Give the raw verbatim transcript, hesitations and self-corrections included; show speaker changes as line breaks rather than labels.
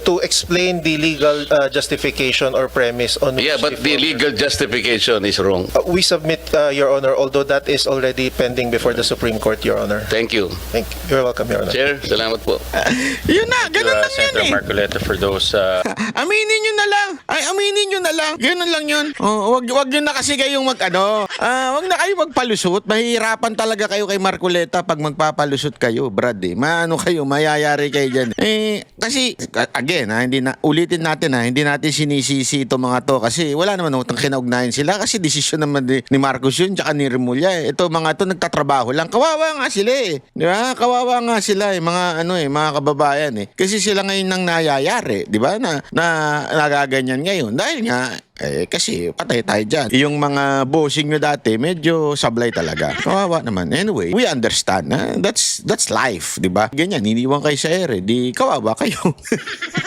to explain the legal uh, justification or premise on
Yeah,
which
but the
former-
legal justification is wrong.
Uh, we submit, uh, Your Honor, although that is already pending before the Supreme Court, Your Honor.
Thank you.
Thank you. You're welcome, Your Honor.
Chair, salamat po.
Yun na, ganun
uh,
lang yun
Senator
eh.
Marcoleta for those uh,
Aminin nyo na lang. Ay, aminin nyo na lang. Ganun lang yun. Oh, wag, wag nyo na kasi kayong mag, ano, ah, wag na kayo magpalusot. Mahihirapan talaga kayo kay Marcoleta pag magpapalusot kayo, Brad eh. Maano kayo, mayayari kayo dyan. Eh, kasi, again, ha, hindi na, ulitin natin ha, hindi natin sinisisi ito mga to kasi wala naman utang kinaugnayan sila kasi desisyon naman ni, ni Marcos yun tsaka ni Remulla eh. Ito mga to nagtatrabaho lang. Kawawa nga sila eh. Di ba? Kawawa nga sila eh. Mga ano eh, mga kababayan eh. Kasi sila ngayon nang nayayari. Di ba? Na, na nagaganyan ngayon. Dahil nga, eh, kasi patay tayo dyan. Yung mga bossing nyo dati, medyo sablay talaga. Kawawa naman. Anyway, we understand. Ha? That's, that's life. Di ba? Ganyan, iniwan kayo sa ere. Di kawawa kayo.